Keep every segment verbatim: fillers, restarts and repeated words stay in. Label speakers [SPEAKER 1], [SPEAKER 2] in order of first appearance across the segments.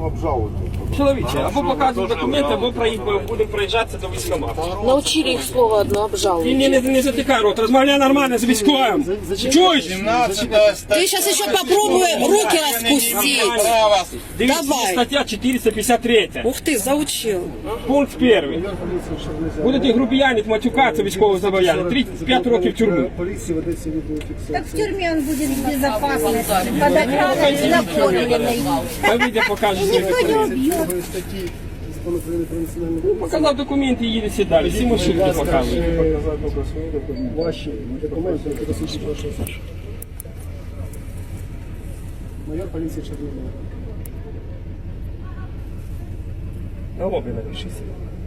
[SPEAKER 1] обжалувати.
[SPEAKER 2] Чоловіче, або показуємо документи, або будемо проїжджатися до військкомату.
[SPEAKER 3] Научили их слово одно обжаловать.
[SPEAKER 2] Ти не, не, не затикай рот, розмовляй нормально з військовим. Чуєш?
[SPEAKER 3] Ты сейчас еще попробуй руки распустить.
[SPEAKER 2] Дивіться,
[SPEAKER 3] Давай.
[SPEAKER 2] стаття чотириста п'ятдесят три.
[SPEAKER 3] Ух ты, заучил.
[SPEAKER 2] Пункт перший. Будете грубіянити, матюкатися військового зобов'язання. тридцять п'ять років тюрми.
[SPEAKER 1] Поліції ведеться відеофіксація.
[SPEAKER 4] Так в тюрьме он будет в безопасности, под охраной и накормленной.
[SPEAKER 2] А вийде, покаже свої
[SPEAKER 4] Никто не
[SPEAKER 2] документи.
[SPEAKER 4] убьет.
[SPEAKER 1] Статті Закону України про національну поліцію.
[SPEAKER 2] Показав документи і їдете далі. Всі машини показують.
[SPEAKER 1] Ваші документи, які посвідчують вашу особу. Майор поліції Чернігова.
[SPEAKER 2] На лобі напишіться.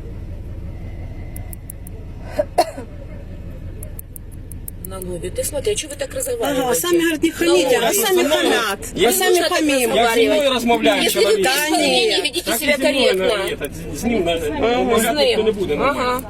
[SPEAKER 3] На лобі. Ты смотри, а что вы так разговариваете?
[SPEAKER 5] Ага, сами, говорят, не хамите, а сами хамят.
[SPEAKER 2] Я
[SPEAKER 5] А сами хамим.
[SPEAKER 2] Я зі мною розмовляю,
[SPEAKER 3] Если вы
[SPEAKER 2] чоловік.
[SPEAKER 3] без волнения ведите
[SPEAKER 2] Так і
[SPEAKER 3] себя
[SPEAKER 2] зі мною на-
[SPEAKER 3] корректно.
[SPEAKER 2] этот, з ним на- розмовляти ніхто не буде. нормально.
[SPEAKER 3] Ага.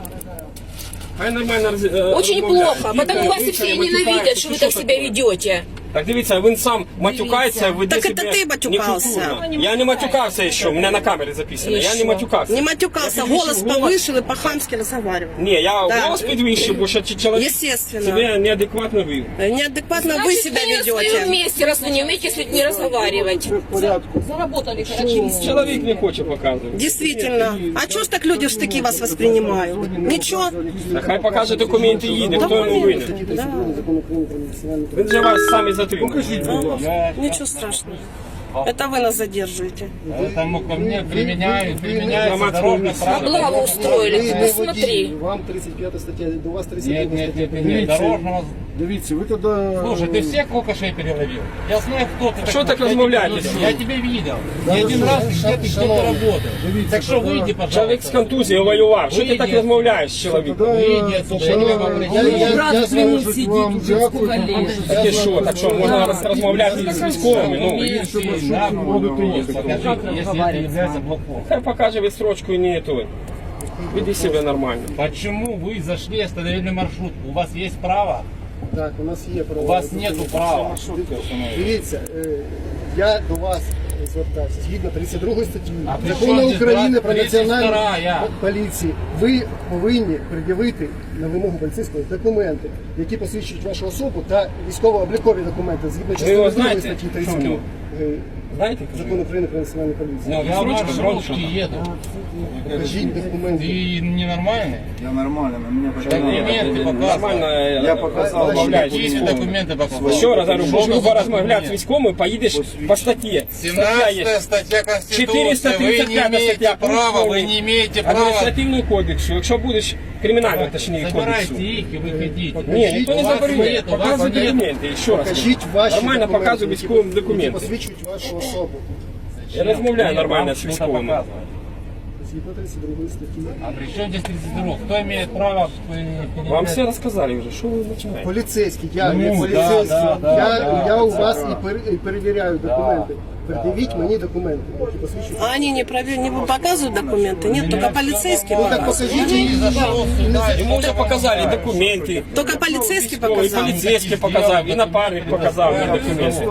[SPEAKER 2] Хай нормально роз- е,
[SPEAKER 3] Очень
[SPEAKER 2] розмовляє.
[SPEAKER 3] плохо, потому вас и все ненавидят, что вы так себя ведете.
[SPEAKER 2] Так дивіться, він сам матюкається, веде
[SPEAKER 5] Так
[SPEAKER 2] себе
[SPEAKER 5] это ты матюкався.
[SPEAKER 2] некультурно. Я не матюкався ще, у мене на камері записано.
[SPEAKER 3] І
[SPEAKER 2] Я не
[SPEAKER 3] що?
[SPEAKER 2] матюкався.
[SPEAKER 5] Не матюкался,
[SPEAKER 2] Я підвищив
[SPEAKER 5] голос
[SPEAKER 2] голос.
[SPEAKER 5] повышил и по-хамски разговаривал.
[SPEAKER 2] Ні, я
[SPEAKER 5] Да.
[SPEAKER 2] голос підвищив, бо ще чоловік
[SPEAKER 5] Естественно.
[SPEAKER 2] себе неадекватно вів.
[SPEAKER 5] Неадекватно вы
[SPEAKER 3] Значит,
[SPEAKER 5] себя
[SPEAKER 3] вы на своем
[SPEAKER 5] ведете.
[SPEAKER 3] месте, раз вы не умеете с людьми разговаривать. Заработали хорошо.
[SPEAKER 2] Чоловік не хоче показувати.
[SPEAKER 5] Действительно. А чё ж так люди в штыки вас воспринимают? Ничего.
[SPEAKER 2] Так хай покаже документи і їде, хто йому винен.
[SPEAKER 1] Закон України про національну поліцію.
[SPEAKER 2] Він же вас самі затримує.
[SPEAKER 5] Ничего страшного. Это вы нас задерживаете.
[SPEAKER 6] Поэтому ко мне применяют, применяется
[SPEAKER 2] Информацию
[SPEAKER 6] дорожное
[SPEAKER 2] не
[SPEAKER 6] право.
[SPEAKER 3] Облаву устроили,
[SPEAKER 1] Ви
[SPEAKER 3] ты
[SPEAKER 1] не
[SPEAKER 3] посмотри.
[SPEAKER 1] водій, вам тридцять п'ята стаття, до вас тридцять
[SPEAKER 6] Нет,
[SPEAKER 1] п'ята
[SPEAKER 6] нет,
[SPEAKER 1] стаття.
[SPEAKER 6] нет, нет, дорожного...
[SPEAKER 1] Дивіться, ви тоді...
[SPEAKER 6] Слушай, ты всех кокошей переловил? Я знаю, кто ты.
[SPEAKER 2] Что
[SPEAKER 6] такой.
[SPEAKER 2] так размовляете
[SPEAKER 6] Я
[SPEAKER 2] с
[SPEAKER 6] тебя-
[SPEAKER 2] ним?
[SPEAKER 6] Я тебя видел. Не один раз где ты где-то работаешь. Так что выйди,
[SPEAKER 2] Чоловік
[SPEAKER 6] пожалуйста.
[SPEAKER 2] з контузією воював. Що ти так
[SPEAKER 6] Вийди.
[SPEAKER 2] розмовляєш з чоловіком?
[SPEAKER 6] Выйди отсюда, я тебя попросил.
[SPEAKER 1] Я звоню вам, дякую.
[SPEAKER 2] Таке що? Так що можна роз- розмовляти з військовими? Ну,
[SPEAKER 6] Если нам будут ехать, покажите, если это является блокпостом.
[SPEAKER 2] хай покаже відстрочку і не той. Веди себе нормально.
[SPEAKER 6] Почему вы зашли, остановили маршрут? У вас есть право?
[SPEAKER 1] Так, у нас є право.
[SPEAKER 6] У вас нету права.
[SPEAKER 1] Дивіться, е, я до вас звертався згідно тридцять другої статті
[SPEAKER 6] А при
[SPEAKER 1] Закону
[SPEAKER 6] чому здесь
[SPEAKER 1] України про
[SPEAKER 6] тридцять
[SPEAKER 1] національну
[SPEAKER 6] вторая?
[SPEAKER 1] поліцію. Ви повинні пред'явити на вимогу поліцейського документи, які посвідчують вашу особу, та військово-облікові документи згідно частини
[SPEAKER 2] його
[SPEAKER 1] другої
[SPEAKER 2] знаєте?
[SPEAKER 1] статті
[SPEAKER 2] Що в
[SPEAKER 1] тридцять
[SPEAKER 2] нього?
[SPEAKER 1] Закону
[SPEAKER 2] Знаєте?
[SPEAKER 1] України про національну поліцію.
[SPEAKER 2] Ну,
[SPEAKER 6] Я в
[SPEAKER 2] відстрочка,
[SPEAKER 6] маршрутке
[SPEAKER 2] громче.
[SPEAKER 6] еду.
[SPEAKER 1] Покажіть документи.
[SPEAKER 6] Ты ненормальный?
[SPEAKER 7] Я нормально, на меня
[SPEAKER 6] Документы показывай.
[SPEAKER 2] Нормально
[SPEAKER 7] Я показав,
[SPEAKER 2] розмовляєш з
[SPEAKER 6] Какие
[SPEAKER 2] військовими.
[SPEAKER 6] документы показывай?
[SPEAKER 2] Ще раз говорю, будеш
[SPEAKER 6] Что
[SPEAKER 2] грубо
[SPEAKER 6] за
[SPEAKER 2] розмовляти з
[SPEAKER 6] документы?
[SPEAKER 2] військовими, поїдеш по статті. Стаття є.
[SPEAKER 6] семнадцатая статья Конституции.
[SPEAKER 2] четыреста
[SPEAKER 6] Вы
[SPEAKER 2] тридцать
[SPEAKER 6] не
[SPEAKER 2] пятая
[SPEAKER 6] имеете
[SPEAKER 2] стаття.
[SPEAKER 6] права, вы не имеете права.
[SPEAKER 2] Адміністративного кодексу. Якщо будеш кримінального, точніше,
[SPEAKER 6] Забирайте
[SPEAKER 2] кодексу.
[SPEAKER 6] их и выходите.
[SPEAKER 2] Ні, ніхто не
[SPEAKER 6] У вас
[SPEAKER 2] забороняє.
[SPEAKER 6] нет, у вас
[SPEAKER 2] Показуй
[SPEAKER 6] нет.
[SPEAKER 2] документи. Ще раз.
[SPEAKER 1] Покажіть ваші
[SPEAKER 2] Нормально
[SPEAKER 1] документи,
[SPEAKER 2] показуй
[SPEAKER 1] які-
[SPEAKER 2] військовим
[SPEAKER 1] які
[SPEAKER 2] документи.
[SPEAKER 1] посвідчують вашу особу.
[SPEAKER 2] Я розмовляю нормально
[SPEAKER 6] Вам
[SPEAKER 2] з
[SPEAKER 6] что-то
[SPEAKER 2] військовими.
[SPEAKER 6] показывать.
[SPEAKER 1] Згідно тридцять другої статті.
[SPEAKER 6] А при чем здесь тридцать два? Кто имеет право э,
[SPEAKER 2] Вам
[SPEAKER 6] передать?
[SPEAKER 2] все розказали вже, що ви починаєте?
[SPEAKER 1] Поліцейський, я
[SPEAKER 6] Ну,
[SPEAKER 1] є
[SPEAKER 6] да,
[SPEAKER 1] поліцейський,
[SPEAKER 6] да, да,
[SPEAKER 1] я,
[SPEAKER 6] да,
[SPEAKER 1] я у
[SPEAKER 6] да,
[SPEAKER 1] вас
[SPEAKER 6] да.
[SPEAKER 1] і, пер, і перевіряю документи. Пред'явіть мені документи, які посвідчують.
[SPEAKER 5] А они не, провер... не показывают документы? Нет, только полицейские
[SPEAKER 1] Ну так
[SPEAKER 5] показывают.
[SPEAKER 1] покажіть її.
[SPEAKER 6] Зашел сюда,
[SPEAKER 2] Йому вже показали документи.
[SPEAKER 5] Только полицейский
[SPEAKER 2] І
[SPEAKER 5] показал.
[SPEAKER 2] поліцейський показав, і напарник показав мені документи.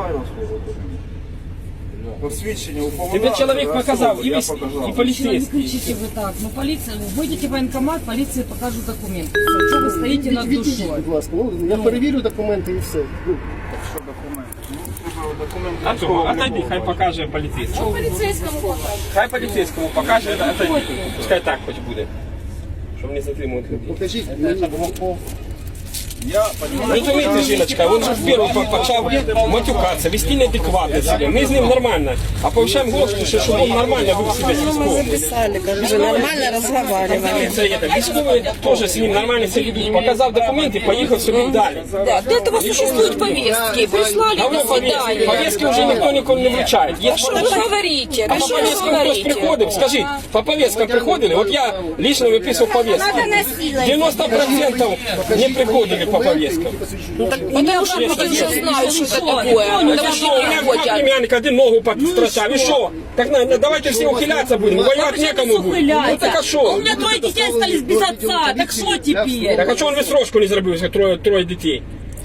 [SPEAKER 7] Посвідчення у
[SPEAKER 2] Тебе
[SPEAKER 7] поводах,
[SPEAKER 2] чоловік показав, і,
[SPEAKER 7] я
[SPEAKER 2] віс-
[SPEAKER 7] показав.
[SPEAKER 2] і поліцейський.
[SPEAKER 8] Кричите вы так, ну полиция, выйдете в военкомат, полиция покажет документы. Что вы стоите над
[SPEAKER 1] Відійдіть,
[SPEAKER 8] душой?
[SPEAKER 1] будь ласка. Ну, я перевірю документи і все. Ну,
[SPEAKER 7] Що документи? Ну, треба документи.
[SPEAKER 2] А то, отойди, хай покаже поліцейський.
[SPEAKER 3] Полицейскому покажут.
[SPEAKER 2] Хай поліцейському покаже, отойди. Пускай так хоч буде. Щоб не затримувати людей.
[SPEAKER 1] покажіть мені.
[SPEAKER 7] Я
[SPEAKER 2] Розумієте, жіночка, він же вперше почав матюкатися, вести неадекватно себе. Ми з ним нормально, а повищаємо голос, що щоб він нормально вів себе з
[SPEAKER 5] Мы
[SPEAKER 2] військовим.
[SPEAKER 5] записали, как же нормально разговаривали.
[SPEAKER 2] Це є так. Військовий теж з ним нормально себе ведуть. Показав документи, поїхав собі далі.
[SPEAKER 3] Да, для этого существуют повестки. Прислали,
[SPEAKER 2] А
[SPEAKER 3] до
[SPEAKER 2] ви повістки,
[SPEAKER 3] свидания.
[SPEAKER 2] повістки вже ніхто ніколи не вручає. Є
[SPEAKER 3] Что вы говорите?
[SPEAKER 2] А
[SPEAKER 3] Да
[SPEAKER 2] по
[SPEAKER 3] что вы
[SPEAKER 2] повесткам хтось
[SPEAKER 3] говорите?
[SPEAKER 2] приходив, скажіть, по повесткам приходили? От я лично виписував повестки. девяносто процентов не приходили по повесткам.
[SPEAKER 3] Потому что люди уже знают, что это такое. Потому
[SPEAKER 2] Що,
[SPEAKER 3] что
[SPEAKER 2] у
[SPEAKER 3] не
[SPEAKER 2] мене два
[SPEAKER 3] ходят.
[SPEAKER 2] племянника один ногу подстрочав, і що? Так на- на- давайте всі ухилятися будемо, воювати некому буде. Ну так а
[SPEAKER 8] У
[SPEAKER 2] що?
[SPEAKER 8] меня трое детей остались без отца, так что теперь?
[SPEAKER 2] Так а чого він відстрочку не зробив, як троє, троє дітей?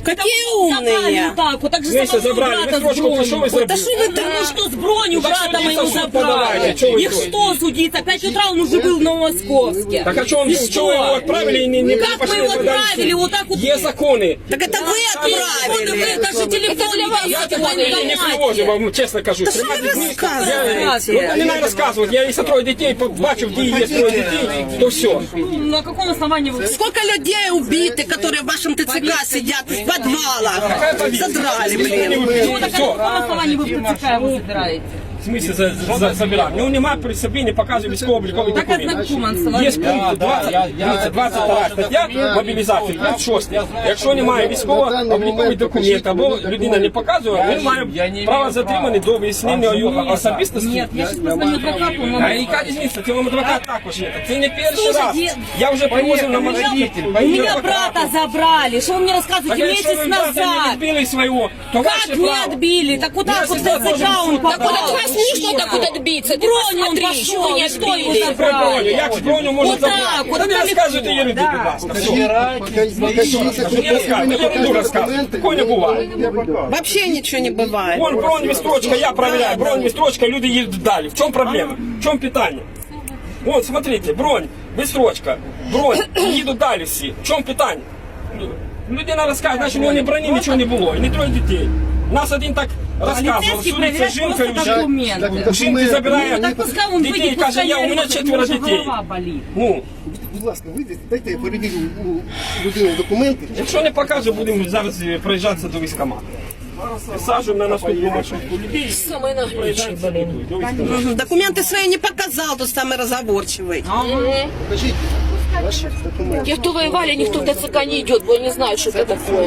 [SPEAKER 5] Какие
[SPEAKER 3] Забрали
[SPEAKER 5] умные.
[SPEAKER 3] вот так вот, так же
[SPEAKER 2] Если
[SPEAKER 3] самого
[SPEAKER 2] забрали,
[SPEAKER 3] брата
[SPEAKER 2] вы
[SPEAKER 3] с
[SPEAKER 2] строчку, что вы
[SPEAKER 3] бронью.
[SPEAKER 2] сделали?
[SPEAKER 3] Да что вы там, ну что с бронью
[SPEAKER 2] Ну, так
[SPEAKER 3] брата
[SPEAKER 2] судиться
[SPEAKER 3] моего
[SPEAKER 2] в суд
[SPEAKER 3] забрали?
[SPEAKER 2] подавайте, что вы
[SPEAKER 3] Их
[SPEAKER 2] тут?
[SPEAKER 3] что судиться? Пять утра он уже был на Московске.
[SPEAKER 2] Так а что он,
[SPEAKER 3] И
[SPEAKER 2] что вы его отправили и не, не
[SPEAKER 3] Как
[SPEAKER 2] пошли
[SPEAKER 3] мы его
[SPEAKER 2] подали в суд?
[SPEAKER 3] отправили? Вот так вот.
[SPEAKER 2] Есть законы.
[SPEAKER 5] Так это вы отправили.
[SPEAKER 3] Даже телефон для вас
[SPEAKER 2] Я
[SPEAKER 3] в
[SPEAKER 2] телефон не привожу,
[SPEAKER 3] военкомате.
[SPEAKER 2] вам честно кажу.
[SPEAKER 5] Та що
[SPEAKER 2] Тримати
[SPEAKER 5] ви
[SPEAKER 2] дітей.
[SPEAKER 5] розказуєте?
[SPEAKER 2] Ну, не надо рассказывать. Я если трое детей побачив, где есть трое детей, то все.
[SPEAKER 3] На каком основании вы...
[SPEAKER 5] Сколько людей убиты, которые в вашем ТЦК сидят в подвалах? Задрали, блин.
[SPEAKER 3] Ну, так на каком основании вы в ТЦК его забираете?
[SPEAKER 2] В смысле за, за, за, забирати? Ну нема при собі, не показує військово-обліковий
[SPEAKER 3] Так
[SPEAKER 2] документ.
[SPEAKER 3] ознакомился.
[SPEAKER 2] Є пункт двадцять, дивіться, двадцять друга стаття мобілізації, пункт шостий. Якщо немає військово-обліковий документ або людина не показує, він має право затриманий до вияснення його особистості.
[SPEAKER 3] Нет, я сейчас позвоню адвокату. он
[SPEAKER 2] А
[SPEAKER 3] нам-
[SPEAKER 2] яка різниця? Це вам адвокат також є. Це не перший
[SPEAKER 3] Слушай,
[SPEAKER 2] раз.
[SPEAKER 3] де-
[SPEAKER 2] Я вже привозив на машині.
[SPEAKER 3] У меня брата забрали. Что вы мне рассказываете?
[SPEAKER 2] Так якщо
[SPEAKER 3] Месяц
[SPEAKER 2] ви брата не
[SPEAKER 3] назад.
[SPEAKER 2] відбили свого, то
[SPEAKER 3] Как
[SPEAKER 2] ваше
[SPEAKER 3] не
[SPEAKER 2] право.
[SPEAKER 3] отбили? Так вот так вот в
[SPEAKER 2] всегда
[SPEAKER 3] ТЦК
[SPEAKER 2] должен
[SPEAKER 3] он
[SPEAKER 2] суд.
[SPEAKER 3] попал.
[SPEAKER 2] Так вот от вас
[SPEAKER 3] нужно так вот отбиться. Броню он пошел, и что его
[SPEAKER 2] Про броню.
[SPEAKER 3] забрали?
[SPEAKER 2] Як ж броню можна
[SPEAKER 3] Вот так,
[SPEAKER 2] забрати?
[SPEAKER 3] вот
[SPEAKER 2] Та не
[SPEAKER 3] так.
[SPEAKER 2] розказуйте єрунди,
[SPEAKER 3] Да.
[SPEAKER 2] будь ласка. Все.
[SPEAKER 1] Покажіть,
[SPEAKER 2] Не розказуйте, я буду розказувати. Такого не буває.
[SPEAKER 5] Вообще ничего не бывает.
[SPEAKER 2] Вон бронь, вістрочка, я проверяю. Бронь, вістрочка, люди їдуть далі. В чому проблема? В чому питання? Вон, смотрите, бронь, вістрочка, бронь, їдуть далі всі. В чому питання? Людина розказує, значить у нього не броні, нічого не було. І не троє дітей. Нас один так розказував,
[SPEAKER 3] Полицейский
[SPEAKER 2] судиться
[SPEAKER 3] проверяет
[SPEAKER 2] жінкою.
[SPEAKER 3] просто документы.
[SPEAKER 1] Так,
[SPEAKER 2] Жінки забирає
[SPEAKER 3] Так пускай он
[SPEAKER 2] дітей,
[SPEAKER 3] выйдет,
[SPEAKER 2] каже,
[SPEAKER 3] пускай
[SPEAKER 2] я, у мене
[SPEAKER 3] говорит,
[SPEAKER 2] четверо
[SPEAKER 3] уже
[SPEAKER 2] дітей.
[SPEAKER 3] голова болит.
[SPEAKER 2] Ну,
[SPEAKER 1] Будь ласка, вийдіть, дайте я перевірю у людини документи.
[SPEAKER 2] якщо не покаже, будемо зараз проїжджатися до військкомату. Саджуємо на наступну маршрутку людей.
[SPEAKER 3] Самый наглючий, блин.
[SPEAKER 5] Мгм. Документы свои не показал, тот самый разговорчивый.
[SPEAKER 1] Покажіть ваші документи.
[SPEAKER 3] Те, кто воевали, никто в ТЦК не идет, бо не знают, что это такое.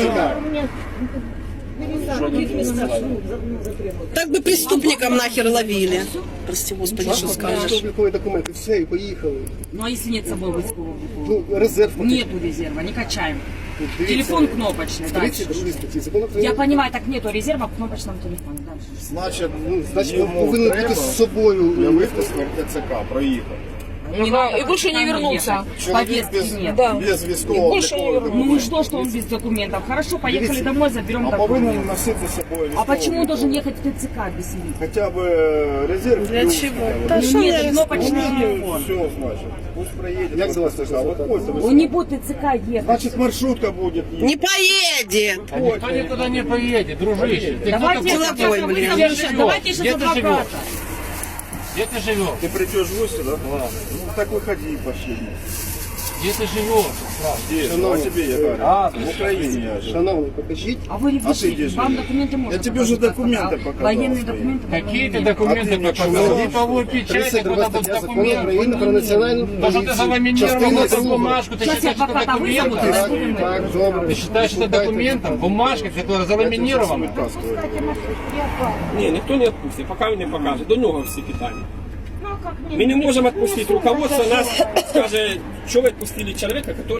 [SPEAKER 5] Так бы преступникам нахер ловили. Прости, господи, что скажешь.
[SPEAKER 1] Облікові документи, все, і поїхали.
[SPEAKER 3] Ну а если нет с собой войскового?
[SPEAKER 1] Ну, резерв покажіть.
[SPEAKER 3] Нету резерва, не качаем.
[SPEAKER 1] Дивіться,
[SPEAKER 3] Телефон кнопочный, дальше.
[SPEAKER 1] тридцять другій статті закону
[SPEAKER 3] Я
[SPEAKER 1] України.
[SPEAKER 3] понимаю, так нету резерва в кнопочном телефоне. Дальше.
[SPEAKER 7] Значить,
[SPEAKER 1] Ну, значить, ви
[SPEAKER 7] йому
[SPEAKER 1] повинні
[SPEAKER 7] треба
[SPEAKER 1] бути з собою.
[SPEAKER 7] для випуску ТЦК проїхав.
[SPEAKER 3] И больше не вернулся.
[SPEAKER 7] Чоловік
[SPEAKER 3] Повестки
[SPEAKER 7] без,
[SPEAKER 3] нет.
[SPEAKER 7] без військового облікового
[SPEAKER 3] Ну и что, что он без документов? Хорошо, поехали домой, заберем
[SPEAKER 7] А
[SPEAKER 3] документы.
[SPEAKER 7] повинен носити з собою
[SPEAKER 3] А
[SPEAKER 7] військовий
[SPEAKER 3] почему он должен
[SPEAKER 7] обліковий.
[SPEAKER 3] ехать в ТЦК без них?
[SPEAKER 7] Хоча б е, резерв.
[SPEAKER 5] Для
[SPEAKER 7] плюс,
[SPEAKER 5] чего?
[SPEAKER 7] хоча б.
[SPEAKER 5] Да что
[SPEAKER 3] Нет,
[SPEAKER 5] я
[SPEAKER 3] кнопочный
[SPEAKER 7] Ну,
[SPEAKER 3] телефон.
[SPEAKER 7] все, значит. Пусть проедет.
[SPEAKER 1] Як за вас
[SPEAKER 7] ТЦК.
[SPEAKER 1] можна
[SPEAKER 7] Вот
[SPEAKER 1] звати?
[SPEAKER 7] пользоваться.
[SPEAKER 3] Он не будет в ТЦК ехать.
[SPEAKER 7] Значит, маршрутка будет ехать.
[SPEAKER 5] Не поедет.
[SPEAKER 6] А никто никуда не поедет, дружище. Ты
[SPEAKER 3] Давайте,
[SPEAKER 6] кто
[SPEAKER 3] я
[SPEAKER 6] такой?
[SPEAKER 5] Деловой,
[SPEAKER 3] сейчас
[SPEAKER 5] блин.
[SPEAKER 3] вызову-
[SPEAKER 6] Где ты живешь?
[SPEAKER 3] давайте сейчас
[SPEAKER 6] Где ты
[SPEAKER 3] адвоката.
[SPEAKER 6] живешь? Где ты живешь?
[SPEAKER 7] Ты придешь в гости, да? Да. Ну так выходи пошли.
[SPEAKER 6] Где ты живешь?
[SPEAKER 7] Здесь, ну, а тебе я говорю.
[SPEAKER 6] А,
[SPEAKER 7] в Украине я живу.
[SPEAKER 1] Шановний, покажіть.
[SPEAKER 3] А вы не
[SPEAKER 7] А ты где
[SPEAKER 3] пишите, вам
[SPEAKER 7] живешь?
[SPEAKER 3] документы можно
[SPEAKER 7] Я тебе уже
[SPEAKER 3] показать,
[SPEAKER 7] документы
[SPEAKER 3] а
[SPEAKER 7] показал
[SPEAKER 3] Военные
[SPEAKER 7] свои.
[SPEAKER 3] документы.
[SPEAKER 6] Какие ты
[SPEAKER 7] А
[SPEAKER 6] документы
[SPEAKER 7] ты мне
[SPEAKER 6] показал?
[SPEAKER 7] что,
[SPEAKER 6] Липовую печать,
[SPEAKER 1] тридцять друга
[SPEAKER 6] какой-то
[SPEAKER 1] стаття закону
[SPEAKER 6] документ.
[SPEAKER 1] України про національну
[SPEAKER 6] То, что ты
[SPEAKER 1] поліцію.
[SPEAKER 6] заламинировал
[SPEAKER 1] Частина
[SPEAKER 6] эту
[SPEAKER 1] друга.
[SPEAKER 6] бумажку, ты
[SPEAKER 3] Сейчас
[SPEAKER 6] считаешь, это
[SPEAKER 3] адвоката вызовут,
[SPEAKER 6] документом?
[SPEAKER 3] и
[SPEAKER 1] Так,
[SPEAKER 3] разбудим его.
[SPEAKER 1] так, добре.
[SPEAKER 6] Ты считаешь это документом? Бумажкой, которая заламинирована?
[SPEAKER 2] ні, ніхто не відпустить, поки він не покаже. До нього всі питання. Ми не можемо відпустити. Руководство нас скаже, що ви відпустили чоловіка, який